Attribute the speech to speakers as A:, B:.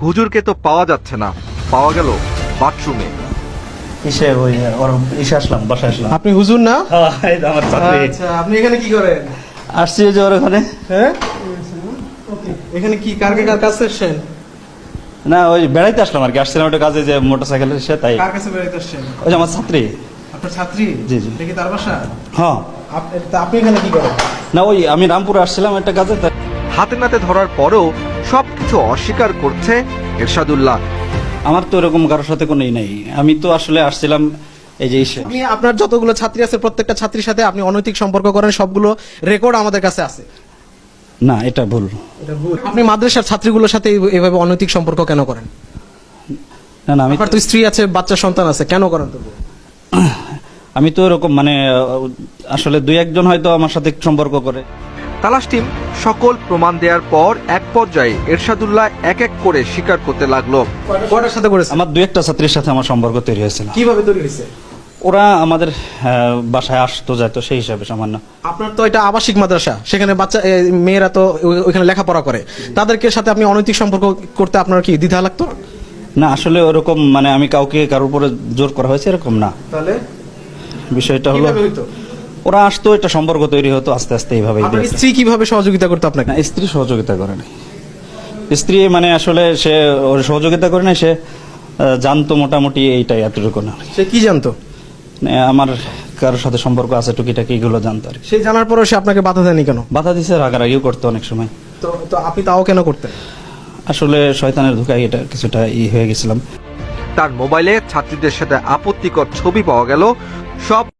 A: হুজুরকে তো পাওয়া যাচ্ছে না, পাওয়া গেল বাথরুমে।
B: ইসে ওই ওর ইসে আসলাম, বাসায় আসলাম।
C: আপনি হুজুর না?
B: হ্যাঁ, এই তো আমার ছাত্রী।
C: আচ্ছা, আপনি এখানে কি করেন?
B: আসছি যে ওর ওখানে।
C: হ্যাঁ, এখানে কি কার কাছে এসেছেন?
B: না, ওই বেড়াইতে আসলাম আর কি। আসছিলাম একটা কাজে, যে মোটরসাইকেলের এসে, তাই।
C: কার কাছে বেড়াইতে এসেছেন?
B: ওই যে আমার ছাত্রী।
C: আপনার ছাত্রী?
B: জি, জি।
C: দেখি তার বাসা।
B: হ্যাঁ।
C: তা আপনি এখানে কি করেন?
B: না, ওই আমি রামপুরে আসছিলাম একটা কাজে, তাই।
A: হাতে নাতে ধরার পরও সবকিছু অস্বীকার করছে এরশাদুল্লাহ।
B: আমার তো এরকম কারোর সাথে কোনো নাই। আমি তো আসলে আসছিলাম এই যে ইসে।
C: আপনি আপনার যতগুলো ছাত্রী আছে প্রত্যেকটা ছাত্রীর সাথে আপনি অনৈতিক সম্পর্ক করেন, সবগুলো রেকর্ড আমাদের কাছে আছে।
B: না, এটা ভুল।
C: আপনি মাদ্রাসার ছাত্রীগুলোর সাথে এইভাবে অনৈতিক সম্পর্ক কেন করেন?
B: না, না, আমি
C: আপনার তো স্ত্রী আছে, বাচ্চা সন্তান আছে, কেন করেন তো?
B: আমি তো এরকম মানে আসলে দুই একজন হয়তো আমার সাথে সম্পর্ক করে।
A: তালাশ টিম সকল প্রমাণ দেওয়ার পর এক পর্যায়ে এরশাদুল্লাহ এক এক করে স্বীকার করতে লাগলো।
C: কয়টার সাথে করেছে?
B: আমার দুই একটা ছাত্রীর সাথে আমার সম্পর্ক তৈরি হয়েছিল।
C: কিভাবে তৈরি হয়েছে?
B: ওরা আমাদের বাসায় আসতো যেত, সেই হিসাবে সামান্য।
C: আপনার তো এটা আবাসিক মাদ্রাসা, সেখানে বাচ্চা মেয়েরা তো ওইখানে লেখাপড়া করে, তাদেরকে সাথে আপনি অনৈতিক সম্পর্ক করতে আপনার কি দ্বিধা লাগতো?
B: না, আসলে ওরকম মানে আমি কাউকে কারোর উপরে জোর করা হয়েছে এরকম না।
C: তাহলে
B: বিষয়টা হলো
C: কিভাবে হইতো?
B: ওরা আসতো, একটা সম্পর্ক তৈরি হতো আস্তে আস্তে এইভাবেই।
C: আপনার স্ত্রী কিভাবে সহযোগিতা করতো আপনাকে?
B: না, স্ত্রী সহযোগিতা করে না। স্ত্রী মানে আসলে সে ওর সহযোগিতা করে না, সে জানতো মোটামুটি এইটাই, এতটুকু না।
C: সে কি জানতো?
B: মানে আমার কারোর সাথে সম্পর্ক আছে টুকিটাকি, এগুলো জানতো আর কি।
C: সে জানার পরেও সে আপনাকে বাধা দেয়নি কেন?
B: বাধা দিছে, রাগারাগিও করতো অনেক সময়।
C: তো আপনি তাও কেন করতেন?
B: আসলে শয়তানের ধোঁকায় এটা কিছুটা হয়ে গেছিলাম।
A: তার মোবাইলে ছাত্রীদের সাথে আপত্তিকর ছবি পাওয়া গেল। সব